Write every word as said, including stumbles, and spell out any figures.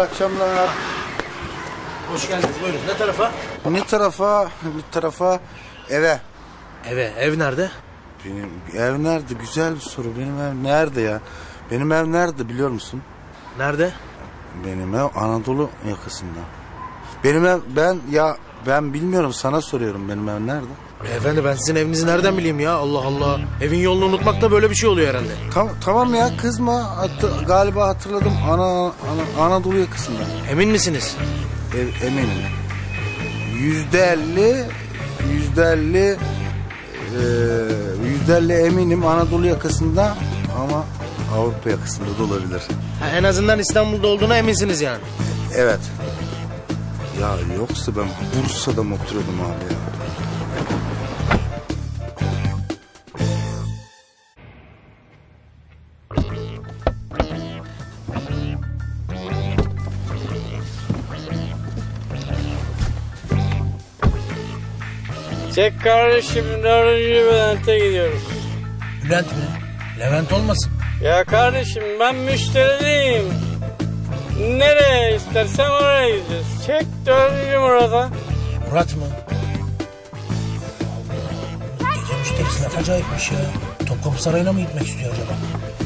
hayırlı akşamlar. Hoş geldiniz, buyurun. Ne tarafa? Ne tarafa? Bir tarafa eve. Eve. Ev nerede? Benim ev nerede? Güzel bir soru. Benim ev nerede ya? Benim ev nerede biliyor musun? Nerede? Benim ev Anadolu yakasında. Benim ev ben ya ben bilmiyorum, sana soruyorum, benim ev nerede? Efendi ben sizin evinizi nereden bileyim ya? Allah Allah. Evin yolunu unutmak da böyle bir şey oluyor herhalde. Tamam, tamam ya, kızma. Hat- galiba hatırladım. Ana, ana Anadolu yakasında. Emin misiniz? E, eminim. Yüzde elli, yüzde elli, e, yüzde elli eminim Anadolu yakasında, ama Avrupa yakasında da olabilir. Ha, en azından İstanbul'da olduğuna eminsiniz yani. Evet. Ya yoksa ben Bursa'da mı oturuyordum abi ya? Çek kardeşim, dördüncü Bülent'e gidiyoruz. Bülent mi? Levent olmasın? Ya kardeşim ben müşteri değilim. Nereye istersen oraya gideceğiz. Çek dördüncü Murat'a. Murat mı? Gece müşterisi ne acayipmiş ya. Topkapı Sarayı'na mı gitmek istiyor acaba?